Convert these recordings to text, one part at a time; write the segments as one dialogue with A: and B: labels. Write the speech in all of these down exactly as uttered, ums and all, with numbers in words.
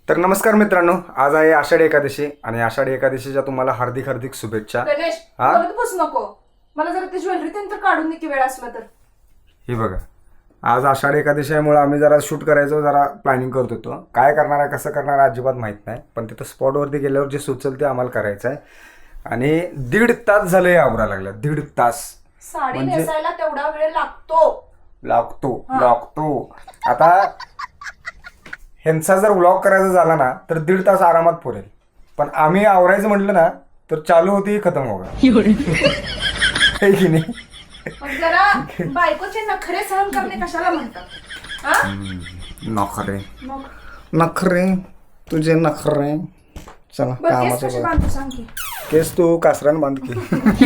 A: तर नमस्कार मित्रांनो, आज आहे आषाढी एकादशी आणि आषाढी एकादशीच्या तुम्हाला हार्दिक हार्दिक शुभेच्छा.
B: गणेश
A: हा?
B: बोलत बसू नको. मला जरा ती ज्वेलरी तर काढून दे की वेळ असला तर.
A: हे बघा, आज आषाढी एकादशीमुळे आम्ही जरा शूट करायचं जरा प्लॅनिंग करत होतो. काय करणार आहे कसं करणार आहे अजिबात माहीत नाही, पण तिथं स्पॉटवरती गेल्यावर जे सुचल ते आम्हाला करायचं आहे. आणि दीड तास झालं हे आवरा लागलं. दीड तास
B: साडी
A: म्हणजे-
B: नेसायला तेवढा वेळ लागतो
A: लागतो लागतो आता ह्यांचा जर व्लॉग करायचा झाला ना तर दीड तास आरामात पुरेल, पण आम्ही आवरायचं म्हटलं ना तर चालू होती खतम होगा है की नाही.
B: मग जरा बायकोचे नखरे सहन करणे कशाला म्हणतात? हा?
A: नखरे
B: मग
A: नखरे तुझे नखरे. चला
B: बरं, केस
A: कामाचं
B: कशी
A: बघ.
B: बांधतो सांग की.
A: केस तू कासरान बांध की.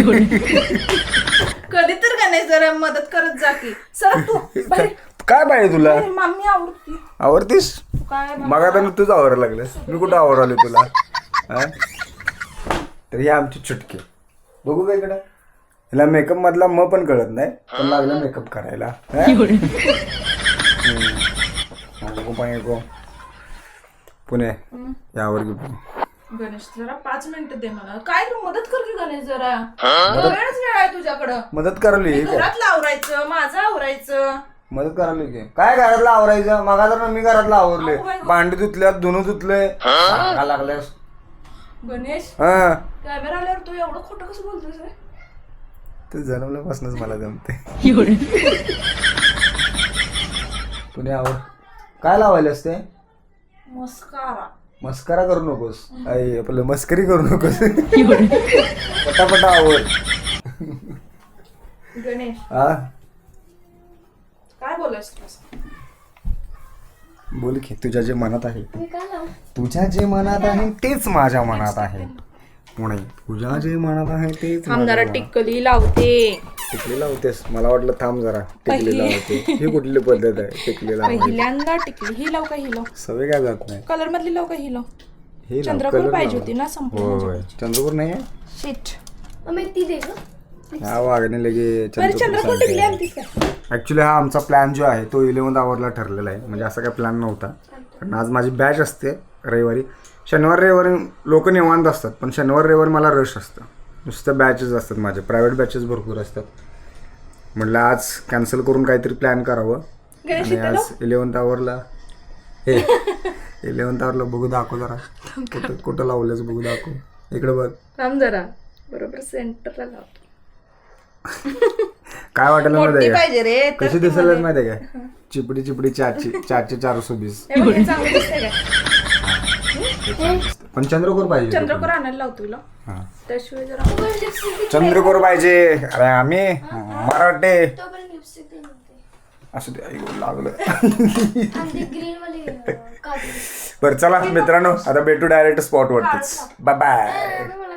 B: कधी तर गणेश जरा मदत करत जा की. सर तू बाहेर.
A: काय पाहिजे तुला?
B: बाहेर, मामी आवडती.
A: आवडतीस?
B: तू काय
A: मग आता तुझं आवरायला लागलं, मी कुठं आवराले तुला? हा? तर ही आमची चुटकी. बघू का इकडं? हिला मेकअप मधला म पण कळत नाही, पण लागला मेकअप करायला. हा? हम्म. नको पाहिजे गो. पुणे यावर घेऊ.
B: गणेश जरा पाच मिनिटं दे मला. काय तू मदत कर की गणेश जरा. वेळच वेळ आहे तुझ्याकडं.
A: मदत करायली काय?
B: घरातलं आवरायचं, माझं आवरायचं.
A: मदत करायली की काय? घरातलं आवरायचं मग तर मी घरातलं आवरले. भांडी धुतल्यात, धुणं धुतलंय, सांगा लागल्यास.
B: गणेश
A: हा
B: कॅमेरा आल्यावर तू एवढं खोटं कसं बोलतोस रे?
A: ते जन्मल्यापासूनच मला जमते. पुणे आवर. काय लावायला असते?
B: मस्कारा.
A: मस्करा करू नकोस. आई आपलं मस्करी करू नकोस. पटापटा आवर.
B: गणेश
A: हा
B: काय बोलायचं?
A: बोल की, तुझ्या जे मनात आहे तुझ्या जे मनात आहे तेच माझ्या मनात आहे. पुणे तुझ्या जे मनात आहे तेच
B: थांब
A: माझ्या
B: जरा
A: मनात.
B: टिक्कली लावते.
A: टिकली लावतेस? मला वाटलं थांब जरा टिकली लावते. ही कुठली पद्धत आहे टिकली लावायची?
B: पहिल्यांदा टिकली. ही लाव का ही लाव?
A: सवय काय जात नाही.
B: कलर मधली लाव का ही लाव?
A: हे लाव,
B: चंद्रपूर
A: colour
B: पाहिजे
A: लाव.
B: होती ना संपूर्ण.
A: होय चंद्रपूर नाही आहे.
B: शिट.
A: हा वागणे लगे
B: बरं चंद्रपूर टिकली आणतीस का?
A: ऍक्च्युली हा आमचा प्लॅन जो आहे तो इलेव्हन्थ आवरला ठरलेला आहे. म्हणजे असा काही प्लॅन नव्हता, कारण आज माझी बॅच असते रविवारी. शनिवार रविवारी लोक निवांत असतात, पण शनिवार रविवारी मला रश असतं. नुसतं बॅचेस असतात माझे, प्रायव्हेट बॅचेस भरपूर असतात. म्हटलं आज कॅन्सल करून काहीतरी प्लॅन करावं. आणि आज इलेव्हन्थ आवरला. हे इलेव्हन्थ आवरला. बघू दाखव जरा कुठं कुठं लावलंच बघू दाखव. इकडे बघ.
B: थांब जरा बरोबर सेंटरला लावतो.
A: काय वाटेल माहिती
B: मोठी
A: आहे
B: पाहिजे रे.
A: का? कशी दिसायला माहिती आहे का? चिपडी चिपडी चारशे चारशे चारशे वीस.
B: हे बघ, हे चांगलं दिसतंय का?
A: पण चंद्रकोर पाहिजे.
B: चंद्रपूर आणायला लावतो तुला.
A: हा.
B: त्याशिवाय जरा
A: चंद्रकोर पाहिजे. अरे आम्ही मराठे असं ते ऐकू लागलं. बरं चला मित्रांनो, आता भेटू डायरेक्ट स्पॉट वरतीच. Bye bye.